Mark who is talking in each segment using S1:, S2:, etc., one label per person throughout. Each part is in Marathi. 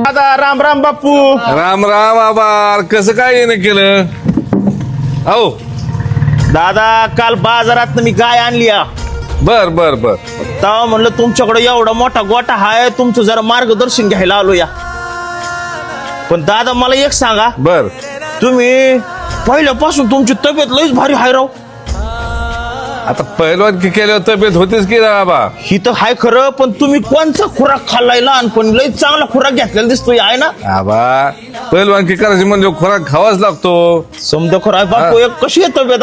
S1: दादा राम राम बापू.
S2: राम राम आबार. कसं काय येणं केलं? अहो
S1: दादा काल बाजारात मी गाय आणली
S2: बर बर बर.
S1: तेव्हा म्हणलं तुमच्याकडे एवढा मोठा गोठा हाय, तुमचं जरा मार्गदर्शन घ्यायला आलो या. पण दादा मला एक सांगा,
S2: बर
S1: तुम्ही पहिल्यापासून तुमची तब्येत लईच भारी हाय राव.
S2: आता पहिलवान केल्यावर तब्येत होतीच की आबा.
S1: ही तर हाय खरं, पण तुम्ही कोणचा खुराक खाल्लाय लहानपणी? लई चांगला खुराक घेतलेला दिसतोय आहे ना.
S2: आबा पहिलवान करायची म्हणजे खुराक खावाच लागतो.
S1: समजा खरं आहे बापू. एक कशी आहे तब्येत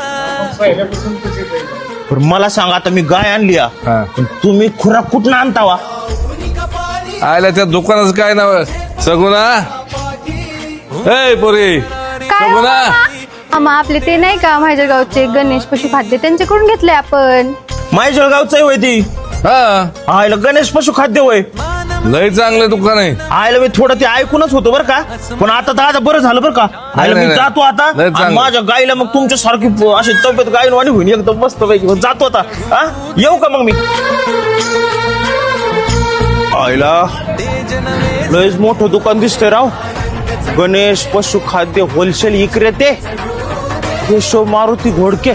S1: पण मला सांगा, आता मी गाय आणली पण तुम्ही खुराक कुठं आणता वा?
S2: आयला त्या दुकानाचं काय नाव? सगुना. ए पोरी सगुना.
S3: मामा आपले ते नाही का माझ्या गावचे गणेश पशुखाद्य, त्यांच्याकडून घेतले आपण.
S1: माझ्या जळगावचं आहे होय ती.
S2: हा
S1: आयला गणेश पशु खाद्य होय.
S2: लय चांगलं दुकान आहे.
S1: आयला मी थोडं ते ऐकूनच होतो बरं का, पण आता दादा बरं झालं बरं का. आयला मी
S2: नाही.
S1: जातो आता
S2: लय चांगलं.
S1: आणि माझ्या गाईला मग तुमच्या सारखी अशी तब्येत गायनवाणी होईल एकदम मस्त पैकी. जातो आता. हा येऊ का मग मी? आयला लयच मोठं दुकान दिसतंय राव. गणेश पशु खाद्य होलसेल विक्रेते केशव मारुती घोडके.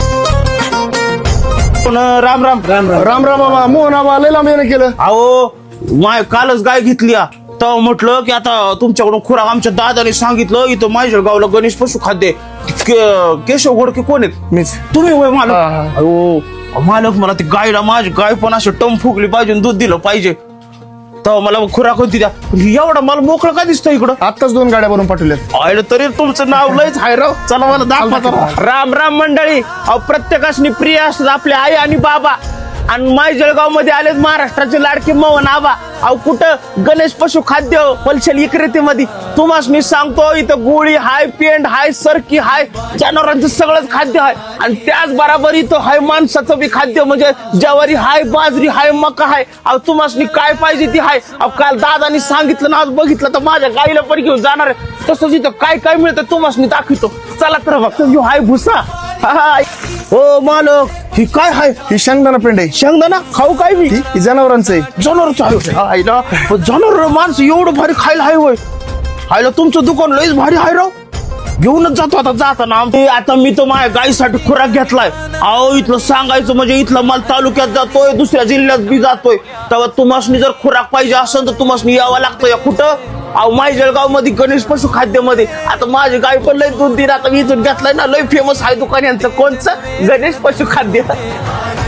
S1: राम राम राम
S4: राम राम मामा. मोहन आबा लय लांब येणं केलं.
S1: अहो माय कालच गाय घेतली तेव्हा म्हटलं की आता तुमच्याकडून खुराक आमच्या दादाने सांगितलं इथं माझ्या गावला गणेश पशु खाद्य केशव घोडके कोण आहेत?
S4: मीच.
S1: तुम्ही होय मालक? अहो मालक मला ती गायला माझी गाय पण असं टम फुगली पाहिजे, दूध दिलं पाहिजे. तेव्हा मला खुराक होती द्या. एवढा मला मोकळं काय दिसतं इकडं?
S4: आत्ताच 2 गाड्या भरून पाठवल्यात.
S1: आयलं तरी तुमचं नाव लयच हाय राव. चला मला दाखवा जरा. राम राम मंडळी. अहो प्रत्येकाशी प्रिय असतात आपले आई आणि बाबा. आणि माय जळगाव मध्ये आलेत महाराष्ट्राचे लाडके मोहन आबा. अहो कुठं? गणेश पशु खाद्य होलसेल विक्रेतेमध्ये. तुम्हाला मी सांगतो इथं गोळी हाय, पेंड हाय, सरकी हाय, जनावरांचं सगळंच खाद्य हाय. आणि त्याच बरोबर इथं हाय माणसाचं बी खाद्य, म्हणजे ज्वारी हाय, बाजरी हाय, मका हाय. अहो तुम्हाला काय पाहिजे ती हाय. अहो काल दादानी सांगितलं ना, आज बघितलं तर माझ्या गाईला पण घेऊन जाणार आहे. तसंच इथं काय काय मिळतं तुम्हाला दाखवतो. चला तर बघ. हाय भुसा. हो मालक, ही काय हाय?
S4: ही शेंगदाणा पेंड आहे.
S1: शेंगदाणा खाऊ काय मी?
S4: ही जनावरांचं आहे.
S1: जनावर जनावर माणसं एवढं भारी खायला हाय होय. हायला तुमचं दुकान लयच भारी हाय राव. घेऊनच जातो आता जाताना. आता मी तर माझ्या गाईसाठी खुराक घेतलाय. अहो इथलं सांगायचं म्हणजे इथलं माल तालुक्यात जातोय, दुसऱ्या जिल्ह्यात बी जातोय. तेव्हा तुम्हाला जर खुराक पाहिजे असेल तर तुम्हाला यावं लागतं. या कुठं? अहो माय जळगाव मध्ये गणेश पशु खाद्य मध्ये. आता माझी गाय पण लय 2-3 आता मी इथून घेतलाय ना. लय फेमस आहे दुकान यांचं. कोणचं? गणेश पशु खाद्य.